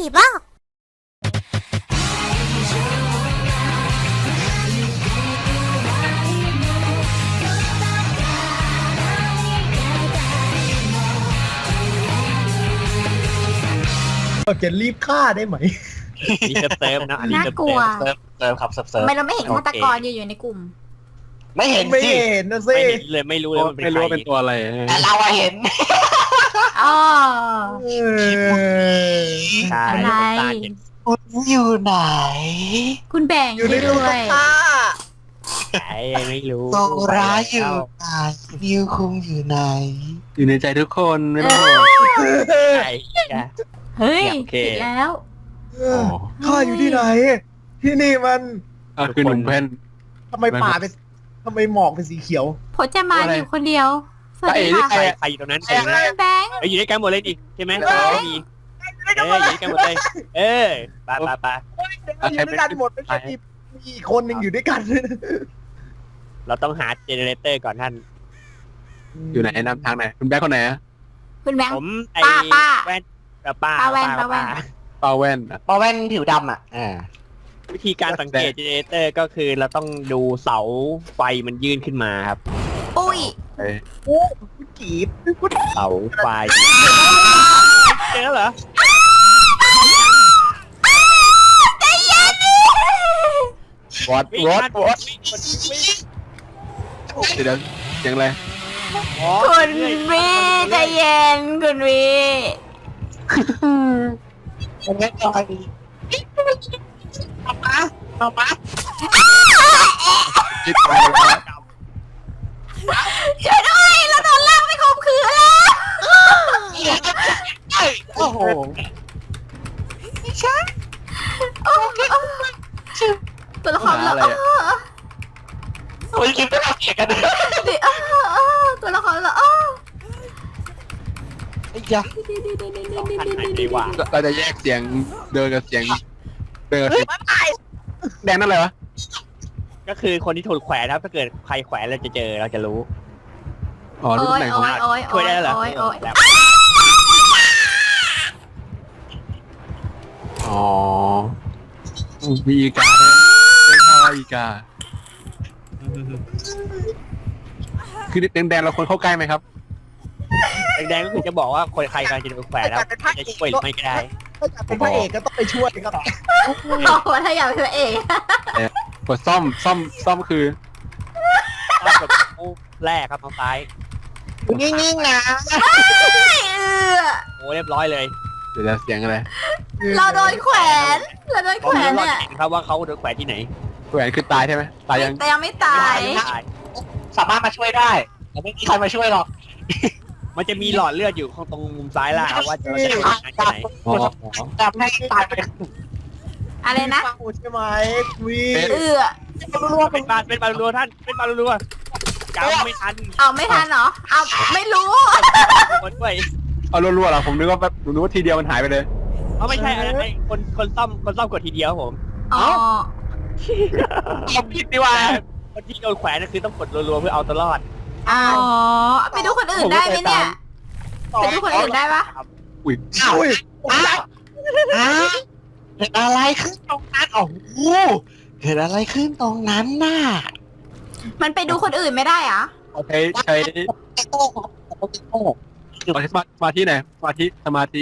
บ้าจะรีบฆ่าได้ไหมนี่เซิร์ฟนะอันนี้น่ากลัวเซิร์ฟครับเซิร์ฟทำไมเราไม่เห็นฆาตกรอยู่ในกลุ่มไม่เห็นไม่สิเห็นนะสิไม่เห็นเลยไม่รู้เลยมันเป็นไม่ใครู้รว่าเป็นตัวอะไรแต่เราอะเห็นอ๋อใช่อะไรตาเห็นคุณอยู่ไหนคุณแบ่งอยู่ในด้ตู้วยผ้าใช่ไม่รู้โซราอยู่ไหนนิวคุงอยู่ไหนอยู่ในใจทุกคนไม่ต้องห่วงใช่ใช่เฮ้ยโอเคผิดแล้วข้าอยู่ที่ไหน ที่นี่มันคือหนุ่มแว่นทำไมป่าเป็นทำไมหมอกเป็นสีเขียวพจมานอยู่คนเดียว สวัสดีค่ะใครอยู่ตรงนั้นใครอยู่ตรงนั้นแบงค์อยู่ด้วยกันหมดเลยดิใช่ไหมไม่มีอยู่ด้วยกันหมดเลยไปอยู่ด้วยกันหมดไม่ใช่มีอีกคนหนึ่งอยู่ด้วยกันเราต้องหาเจเนเรเตอร์ก่อนท่านอยู่ไหนนำทางไหนคุณแบ๊กคนไหนอะคุณแบงค์ผมไอ้ป้าแว่นป้าป้าแว่นเปาแว่นอะปอแว่นผิวดำอ่ะวิธีการสังเกตเจเนเรเตอร์ก็คือเราต้องดูเสาไฟมันยื่นขึ้นมาครับปุ้ยเอ้ยโอ้คุณกีบคุณเสาไฟเจอแล้วเหรอวอดวิ่งวอดมันวอดวิ่งเดี๋ยวเสียงอะไรคุณวีใจเย็นคุณวีเป็นไงต่อยเอามาจิตตายแล้วช่วยด้วยเราโดนลากไปข่มขืนแล้วโอ้โหตัวละครเราคุณคิดว่าเราเกลียดกันเลยตัวละครเราไอ้ยาเราจะแยกเสียงเดินกับเสียงเดินกับเสียงแดงนั่นอะไรวะก็คือคนที่ถูกแขวนครับถ้าเกิดใครแขวนเราจะเจอเราจะรู้อ๋อรูปโอ้ยไหนของโอ้ยโอ้ยช่วยได้เหรอโอ้ยโอ้ยอ๋อมีอีกาด้วยไม่ใช่อีกาคือแดงๆเราควรเข้าใกล้ไหมครับแดงๆก็คือจะบอกว่าคนใครกำลังจะโดนแขวนแล้วจะช่วยหรือไม่ก็ได้ถ้าอยากเป็นพระเอกก็ต้องไปช่วยครับโอ้โหถ้าอยากเป็นพระเอกกดซ่อมคือต้องกดปุ๊บแรกครับทางซ้ายนิ่งๆนะโอ้เรียบร้อยเลยเดี๋ยวจะเสียงอะไรเราโดนแขวนเราโดนผแขมวนรู้ว่าเนี่ยเห็นครับว่าเขาโดนแขวนที่ไหนแหวนคือตายใช่ไหมตายยังแต่ยังไม่ตายไม่ตายสามารถมาช่วยได้แต่ไม่มีใครมาช่วยหรอกมันจะมีหลอดเลือดอยู่ตรงมุมซ้ายล่างว่าเราจะหาที่ไหนอ๋อจำให้ตายไปอะไรนะฟังใช่ไหมวีเป็นบารัวท่านเป็นบารัวจำไม่ทันเอาไม่ทันเหรอ เอาไม่รู้คนด้วยเอารัวๆเหรอผมนึกว่าแบบนึกว่าทีเดียวมันหายไปเลยเขาไม่ใช่อันนั้นคนซ่อมกดทีเดียวผมอ๋อเอาผิดดีว่าคนที่โดนแขวนนั่นคือต้องกดรัวๆเพื่อเอาตัวรอดอ๋อไปดูคนอื่นได้ไหมเนี่ยไปดูคนอื่นได้ปะอุ้ยอ้าวอุ้ยอ้าวเกิดอะไรขึ้นตรงนั้นโอ้โหเกิดอะไรขึ้นตรงนั้นน่ะมันไปดูคนอื่นไม่ได้เหรอใช้โต้ครับโต้สมาธิไหนสมาธิสมาธิ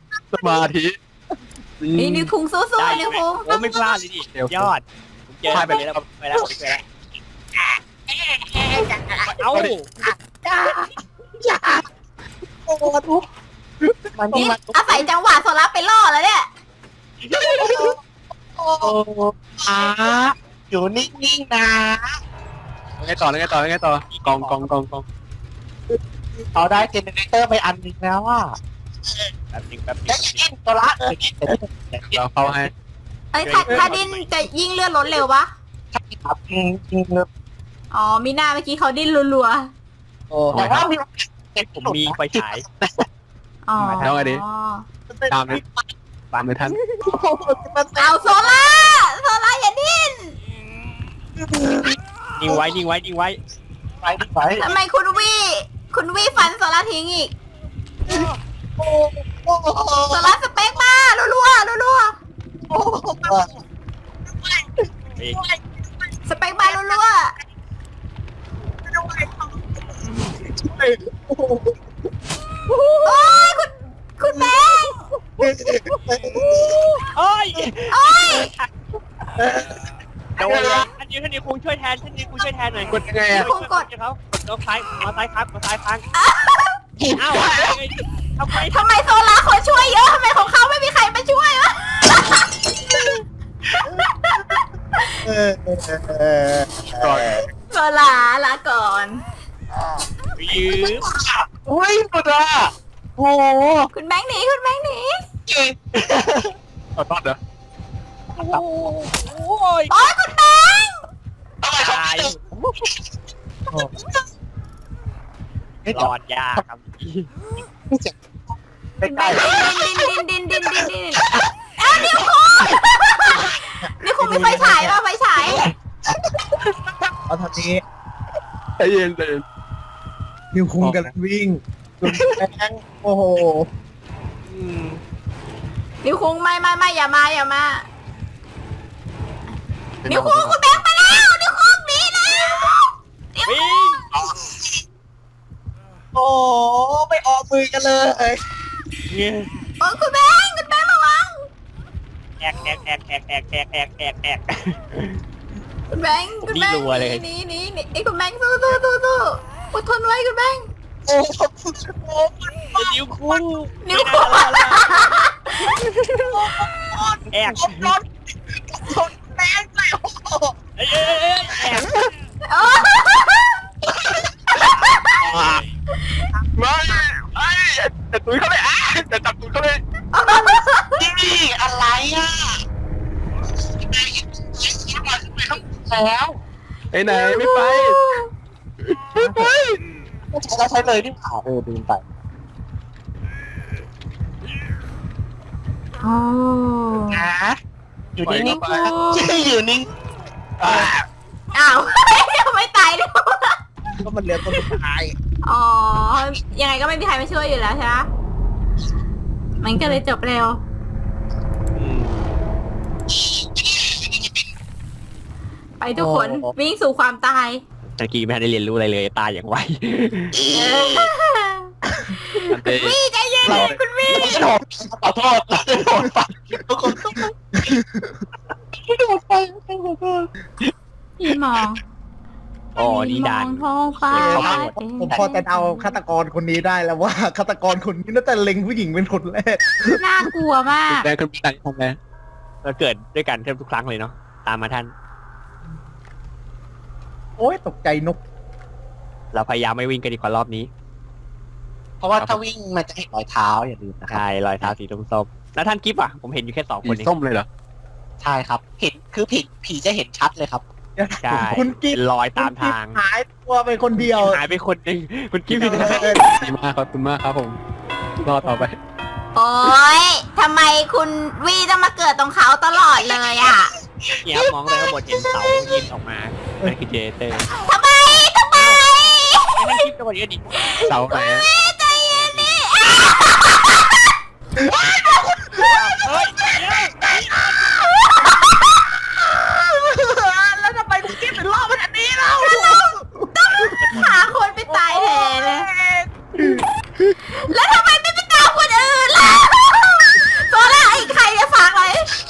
นี่นิวคุงสู้ๆนิวคุงโอ้ไม่พลาดเลยดิยอดผมเจอไปแล้วไปแล้วผมเจอแล้วเอ้าโอ้ทุกมันนี่มันอาศัยจังหวะโซล่าไปล่อแล้วเนี่ยโอ้อยู่นิ่งๆนะไงต่อกองเขาได้เจเนเรเตอร์ไปอันหนึ่งแล้วอ่ะแป๊บนึงจะกินตัวละเราเข้าให้เอ้ยถ้าดิ้นจะยิ่งเลือดลดเร็วปะครับจริงเลยอ๋อมีหน้าเมื่อกี้เขาดิ้นรัวแต่ว่ามีผมมีไฟฉายๆอ๋อตามเลยท่านเอาโซล่าอย่าดิ้นนิ่งไว้ไปทำไมคุณวีฟันโซล่าทิ้งอีกโซล่าสเปกมารัวโอ้ยโอ้ยโดนเลยท่านนี้คุงช่วยแทนหน่อยกดยังไงนิอะวคุงกดเขากดซ้ายมาซ้ายครับมาซ้ายค้างเอ้าทำไมทำไมโซล่าคนช่วยเยอะทำไมของเขาไม่มีใครมาช่วยวะก่อนโซล่าลาก่อนยืมโอ้ยหมดอ่ะโอ้โหคุณแบงค์หนีคุณแบงค์หนีเก่งเอาตอดเหรอโอ้ยโอ้ยคุณแบงค์ทำไมเขาตายไม่รจออดดยากครับไม่คุณแบใกล้งค์ดินเอ้านิวคุงนิวคุงมีไฟฉายป่ะไฟฉายเอาทางนี้ใจเย็นใจเย็นนิวคุงกันวิ่งส่วนแบงค์โอ้โหนิวคุงไม่อย่ามานิวคุงคุณแบงค์ไปแล้วนิวคุงหนีแล้ววิ่งโอ้ไม่ออกมือกันเลยโอ้ยคุณแบงค์ระวังแอกคุณแบงค์นี่รัวเลยหนีไอ้คุณแบงค์สู้อดทนไว้คุณแบงค์โอ้โหนิ้วคู่นิวคุงแอกชนแบงค์เลยโอ้โหแอกโอ้ยไม่แต่ตุ้ยเขาเลยแต่จับตุ้ยเขาเลยนี่อะไรอ่ะแล้วไอ้ไหนไม่ไปไม่ไปเราใช้เลยนี่ขาลืมไปโอ้นะอยู่ไปนิ่ก็งไปๆอยู่นิ่งอ้าวไม่ตายด้วยก็มันเหลือตัวสุดท้ายอ๋อยังไงก็ไม่มีใครมาช่วยอยู่แล้วใช่ไหมมันก็เลยจบเร็ว ไปทุกคนวิ่งสู่ความตายตะกี้ไม่ได้เรียนรู้อะไรเลยตายอย่างไววี่ใจเย็นคุณวี่ขอโทษเราได้โดนฟันทุกคนโดนไปขอโทษพี่มองอ๋อนี่ด่านมองท้องฟ้าผมพอจะเอาฆาตกรคนนี้ได้แล้วว่าฆาตกรคนนี้น่าจะเล็งผู้หญิงเป็นคนแรกน่ากลัวมากแดงขึ้นไปทำไงเราเกิดด้วยกันแทบทุกครั้งเลยเนาะตามมาท่านโอ้ยตกใจนกเราพยายามไม่วิ่งกันดีกว่ารอบนี้เพราะว่าถ้าวิ่งมันจะเห็นรอยเท้าอย่าลืมนะครับใช่รอยเท้าสีส้มๆแล้วท่านกิฟต์อ่ะผมเห็นอยู่แค่2 คนสีเองส้มเลยเหรอใช่ครับเห็นคือผีจะเห็นชัดเลยครับใช่คุณกิ๊เป็นรอยตามทางหายตัวไปคนเดียวหายไปคนหนึงคุณกิฟต์อยู่ไหนดีมากขอบคุณมากครับผมรอต่อไปโอ๊ยทำไมคุณวี่ต้องมาเกิดตรงเขาตลอดเลยอ่ะเนี่ยครับมองไปข้างบนเห็นเสายินออกมานั่นคือเจเตอร์ทำไมไอ้นั่นกิฟต์จังหวะนี้ดิเสาไหนอะใจเย็นดิเฮ้ยแล้วทำไมคุณกิ๊บถึงรอบขนาดนี้เล่าหาคนไปตายแทนเลย แล้วทำไมไม่ไปตามคนอื่นล่ะโซล่าไอ้ใครจะฟังเลย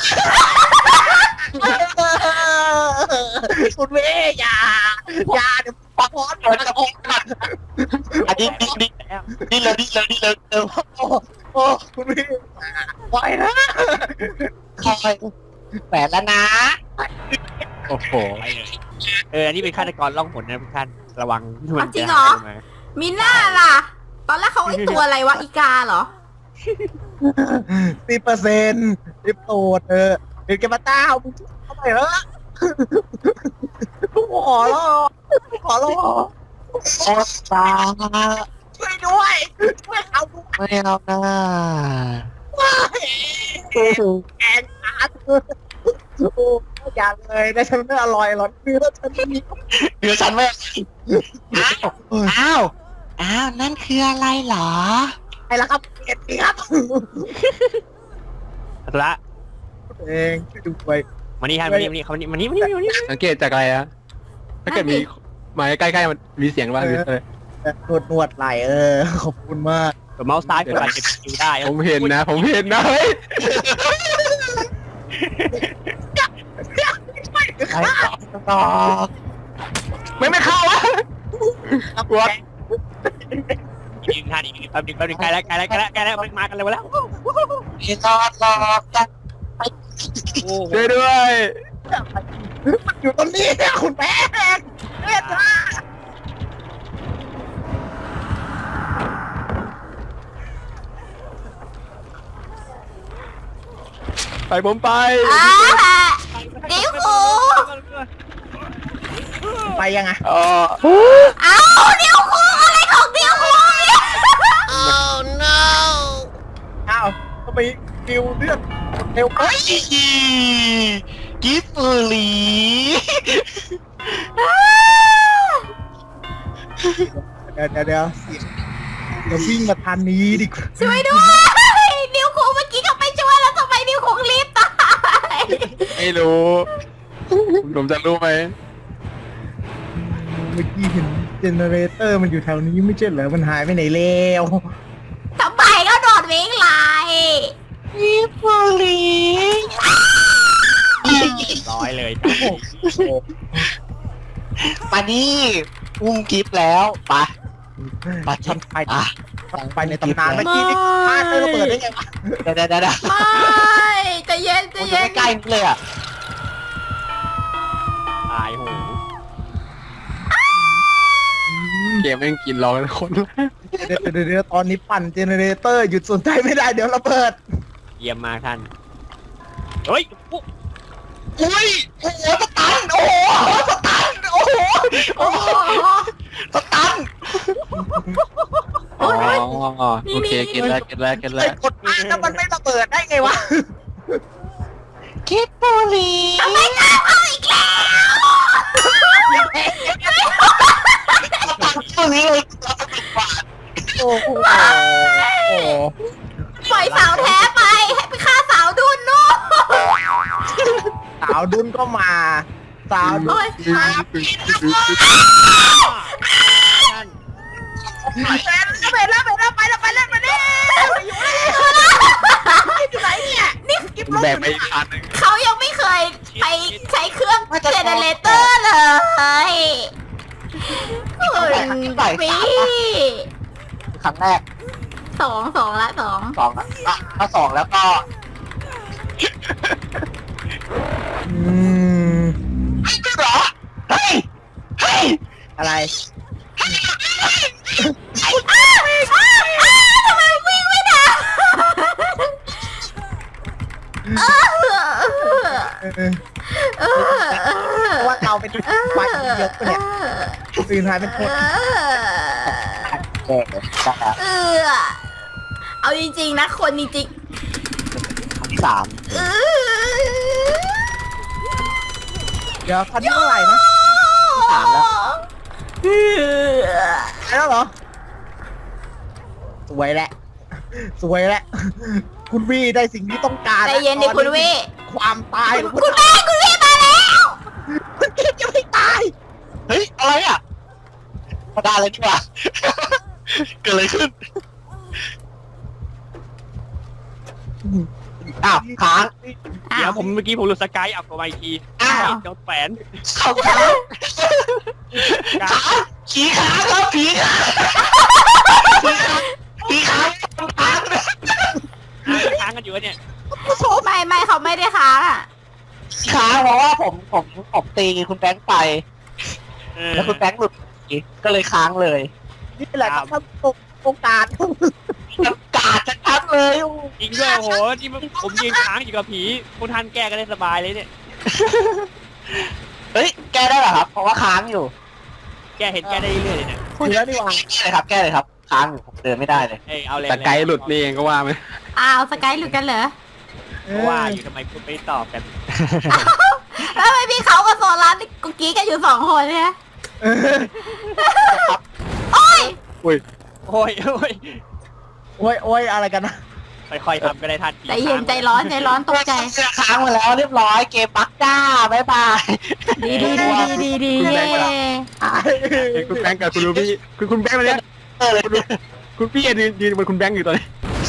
คุณเว่อย่าเดี๋ยวปักหอนเดี๋ยวจะพูดกันอันนี้นี่เลยโอ้คุณเว่ปล่อยนะคอยแฝงแล้วนะโอ้โหไปเลยอันนี้เป็นฆาตกรล่องหนนะทุกท่านระวังมันจริงเหรอ มีหน้าล่ะ ตอนแรกเขาไอ้ตัวอะไรวะอีกาเหรอ 10%รีบโตดเดี๋ยวแกมาต้ามึงเข้าไปเถอะกูขอร้องโอ้ตาช่วยด้วยช่วยเอาลูกไม่เอานะแกงขาโอ้อย่าเลยนะฉันไม่อร่อยหรอกเนื้อฉันมีเดี๋ยวฉันไม่อ้าวนั่นคืออะไรเหรอไอ้ละครับเอ็ดครับละเองช่วยดูไปมานี่ท่านมานี่สังเกตจากอะไรอะถ้าเกิดมีมาใกล้ๆมันมีเสียงบ้างหรืออะไรนวดไหลขอบคุณมากดเมาส์ซ้ายกดเก็บสกิลได้ผมเห็นนะเฮ้ยใครต่อไม่เข้าวะกดยิงท่านอีกแป๊บนึงใกล้แล้วมันมากันเลยแล้วพี่รอดจังช่วยด้วยมันอยู่ตรงนี้คุณแม่เอ็ดนะไปผมไปนิ้วคูไปยังไงอ๋อเอานิ้วคูอะไรของนิ้วคูเนี่ยอ้าวก็ไปดิวเลือดเร็วไปกิฟต์ลีเดี๋ยววิ่งมาทางนี้ดิช่วยด้วยนิ้วคูเมื่อกี้เขาไปช่วยแล้วทำไมนิ้วคูรีบตายไม่รู้ผมจะรู้ไหมเมื่อกี้เห็นเจเนเรเตอร์มันอยู่แถวนี้ไม่ใช่เหรอมันหายไปไหนแล้วทำไมก็โดดวิ่งไล่กิฟต์ลีร้อยเลยมานี่อุ้มกิฟต์แล้วไปช็อตไปไปในตำนานเมื่อกี้นี่พลาดไม่ระเบิดได้ไงวะเดี๋ยวไม่ใจะเย็นมันอยู่ใกล้ๆนี่เลยอ่ะตายโหเกมแม่งกินเราคนเดี๋ยวตอนนี้ปั่นเจเนเรเตอร์หยุดสนใจไม่ได้เดี๋ยวระเบิดเยี่ยมมากท่านเฮ้ยอุ้ยโอ้โหสตันโอ้โหสตันโอ้โหโอ้โหสตันอ๋อโอเคเก็ตแล้วไอ้กดมาแล้วมันไม่ระเบิดได้ไงวะกิฟต์ลีทำไมกล้าเอาอีกแล้วตัวนี้เลยโอ้โหปล่อยสาวแท้ไปให้ไปฆ่าสาวดุนนู่นสาวดุนก็มาสาวดุโอ้นยมาไปแล้วไปแล้วอยู่ไหนเนี่ยนี่แบกไปอีกคันนึงเขายังไม่เคยไปใช้เครื่องเจเนเรเตอร์เลยพี่ครั้งแรกสองละสองอ่ะถ้าสองแล้วก็ เหรอเฮ้ยอะไรทำไมวิ่งไม่ได้เพราะว่าเราเป็นไฟเยอะเนี่ยตื่นหายเป็นคนเอาจริงๆนะคนจริงสามเดี๋ยวคันนี้เท่าไหร่นะสามแล้วแล้วเหรอสวยแหละคุณวีได้สิ่งที่ต้องการใจเย็นดิคุณวิความตายคุณแม่มาแล้วคุณกิฟยังไม่ตายเฮ้ยอะไรอ่ะธรรมดาเลยดีกว่าเกิดอะไรขึ้นอ้าวค้างเดี๋ยวผมเมื่อกี้ผมหลุดสกายอัพออกมาอีกทีอ้าวโดนแฝนเขาค้างผีค้างครับผีค้างค้างค้างกันอยู่เนี่ยไม่เขาไม่ได้ค้างอ่ะค้างเพราะว่าผมตีคุณแบงค์ไป แล้วคุณแบงค์หลุดก็เลยค้างเลยนี่แหละครับโอกาสกาดชัดๆเลยจริงด้วยโอ้โหที่ผมยืนค้างอยู่กับผีคุณทันแก้กันได้สบายเลยเนี่ยเฮ้ยแก้ได้เหรอครับเพราะว่าค้างอยู่แก้เห็นแก้ได้เรื่อยๆเลยเนี่ยคุณแล้วนี่หว่าแก้เลยครับค้างอยู่ผมเดินไม่ได้เลยเอ้ยเอาเลยแต่ไกด์หลุดนี่เองก็ว่าไหมอ้าวสกายหลุดกันเหรอว่าอยู่ทำไมคุณไม่ตอบกันแล้วไม่มีเขากับโซลัสกุ๊กกี้กันอยู่2 คนเนี่ย โอ้ยอุ้ยโอ้ยโอ้ยอะไรกันนะค่อยๆทำก็ได้ทันทีใจเย็นใจร้อนตกใจค้างมาแล้วเรียบร้อยเกมปักจ้าบ๊ายบายดีเย่คุณแบงค์กับคุณรูบี้คุณแบงค์มาเนี่ยเลยคุณพี่ยืนบนคุณแบงค์อยู่ตอนนี้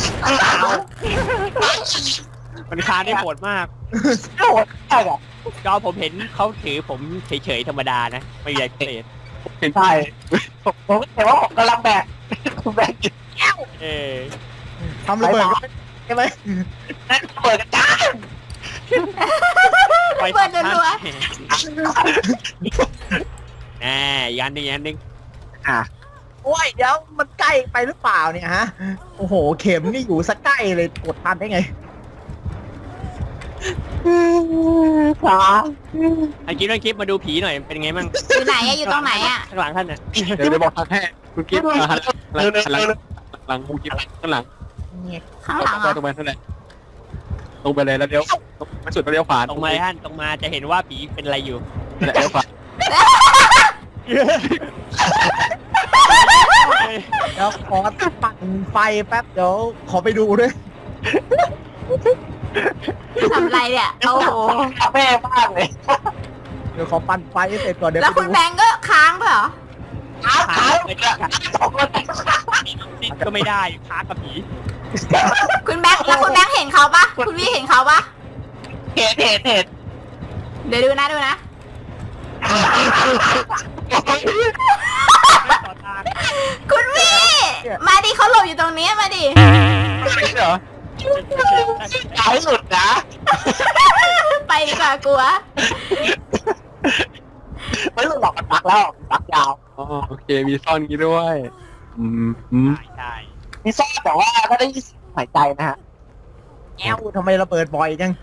มันคานได้โหดมากโหดมากอ่ะจอผมเห็นเขาถือผมเฉยๆธรรมดานะไม่ใหญ่พิเศษใช่ผมเห็นว่าผมกำลังแบกแบกอยู่เออทำระเบิดใช่ไหมนั่นระเบิดกันจ้าไปเปิดจนรัวแหมยันหนึ่งยันหนึ่งโอ้ยเดี๋ยวมันใกล้ไปหรือเปล่าเนี่ยฮะโอ้โหเข็มนี่อยู่สักใกล้เลยกดทันได้ไงขาไอ้กิ๊บเรื่องกิ๊บมาดูผีหน่อยเป็นไงมั่งอยู่ไหนอะอยู่ตรงไหนอะข้างหลังท่านน่ะเดี๋ยวบอกทางให้คุณกิ๊บหันหลังคุณกิ๊บข้างหลังข้างหลังเหรอตรงไปนั่นแหละตรงไปเลยแล้วเดี๋ยวมันสุดแล้วเลี้ยวขวาตรงมาท่านตรงมาจะเห็นว่าผีเป็นอะไรอยู่เลี้ยวขวาเดี๋ยวขอปั่นไฟแป๊บเดี๋ยวขอไปดูด้วยทำอะไรเนี่ยโอ้โหแม่มากเลยเดี๋ยวขอปั่นไฟให้เสร็จก่อนเดี๋ยวแล้วคุณแบงก์ก็ค้างเปล่าขาขาไม่ได้สองคนติดก็ไม่ได้ค้ากับผีคุณแบงก์แล้วคุณแบงก์เห็นเขาปะคุณวี่เห็นเขาปะเห็นเดี๋ยวดูนะดูนะไม่ต่อทางคุณวี่มาดิเขาหลบอยู่ตรงนี้มาดิเหรอท้ายสุดนะไปดีกว่ากลัวไม่หลุดหรอกมันปักแล้วปักยาวอ๋อโอเคมีซ่อนงี้ด้วยใช่ใช่มีซ่อนแต่ว่าก็ได้ยินเสียงหายใจนะฮะแอวทำไมระเบิดบ่อยจัง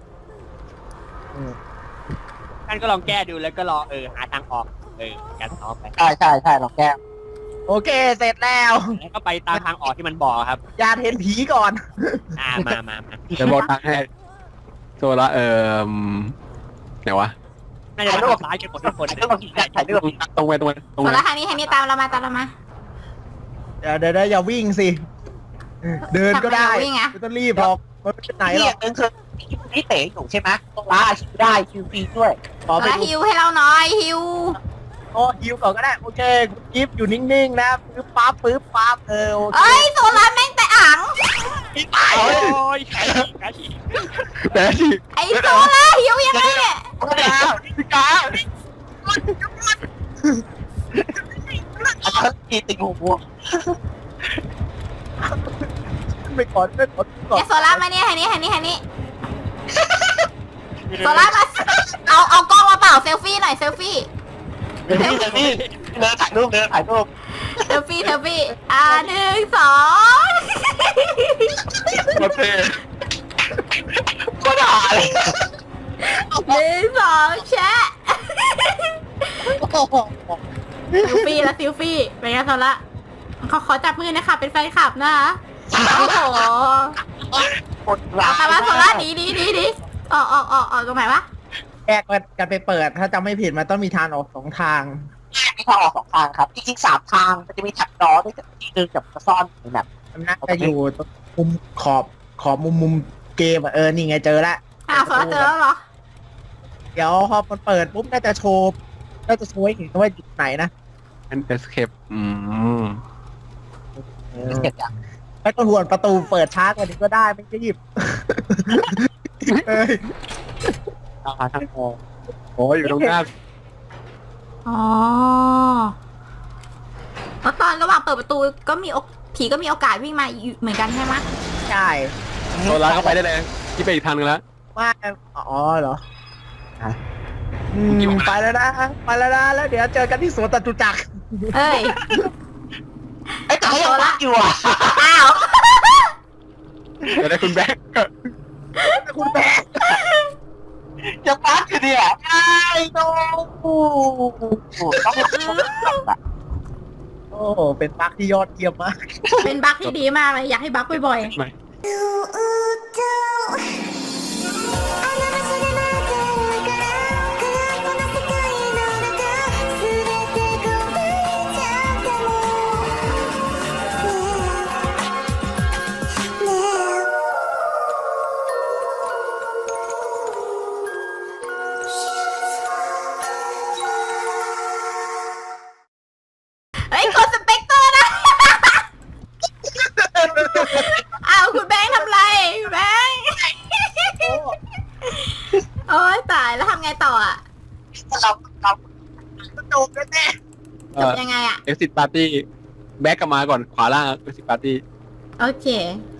ท่านก็ลองแก้ดูแล้วก็รอหาทางออกการซ้อมไปใช่ลองแก้โอเคเสร็จแล้วแล้วก็ไปตามทางออกที่มันบอกครับอย่าเห็นผีก่อนมาเดี๋ยวบอกทางให้โซละไหนวะน่าจะมาซ้ายกันหมดทุกคนถ่ายรูปตรงไปส่วนแล้วทางนี้ตามเรามาตามเรามาเดี๋ยวอย่าวิ่งสิเดินก็ได้ทำไมวิ่งอะไม่ต้องรีบหรอกมันไม่เป็นไหนหรอกเดินคือนี่เต๋อยู่ใช่ไหมตรงล่าคิวได้คิวฟรีด้วยขอไปแล้วดูฮิวให้เราหน่อยฮิวโอ้ฮิวก่อนก็ได้โอเคคุณกิฟต์อยู่นิ่งๆนะปึ๊บปั๊บโอเคเอ้ยโซลาร์แม่งแต่อ่างโอ้ยขาฉีกแต่ที่ไอโซลาร์ฮิวยังไงเนี่ยพี่กาอันนั้นตีติงหัวไม่ก่อนก่อนเดี๋ยวโซลาร์มาเนี่ยทางนี้โซลาร์มาเอากล้องมาเปล่าเซลฟี่หน่อยเซลฟี่เดี๋ยวนี่เดินถ่ายรูปเซลฟี่1 2 โอเคก็ได้ 1 2แชะเซลฟี่แล้วเซลฟี่เป็นไงโซลาร์ขอจับมือนะคะเป็นแฟนคลับนะคะโอ้โหกดรัเอามาโซลาร์ดีออกตรงไหนวะแยกกันไปเปิดถ้าจำไม่ผิดมันต้องมีทางออก2 ทางมีทางออก2 ทางครับจริงๆ3 ทางมันจะมีแท็บล้อด้วยที่นึงกับซ่อนแบบมันน่าจะอยู่ตรงมุมขอบมุมเกมนี่ไงเจอแล้วโซลาร์เจอแล้วเหรอเดี๋ยวพอมันเปิดปุ๊บน่าจะโชว์ให้เห็นว่าจุดไหนนะเป็นเอสเคปเสร็จอ่ะไม่ต้องห่วงประตูเปิดช้ากว่านี้ก็ได้ไม่รีบเอ้ยหาทางออกโอ้ยอยู่ตรงหน้าอ๋อแล้วตอนระหว่างเปิดประตูก็มีผีก็มีโอกาสวิ่งมาอยู่เหมือนกันใช่ไหมใช่โซล่าเข้าไปได้เลยที่ไปอีกทางนึงแล้วว่าอ๋อเหรอไปแล้วนะแล้วเดี๋ยวเจอกันที่สวนจตุจักรเอ้ยไอ้ตายังรักอยู่อ่ะอ้าวเดี๋ยวได้คุณแบงค์คุณแม่ยังรักอยู่เนี่ยไอ้โน้โอ้เป็นบั๊กที่ยอดเยี่ยมมากเป็นบั๊กที่ดีมากเลยอยากให้บั๊กบ่อยไม่ๆเฮ้ยกดสเปกเตอร์นะายแล้วทำไงต่ออ่ะเราดูกันแน่จบยังไงอ่ะ exit party แบ็กกลับมาก่อนขวาล่าง exit party โอเค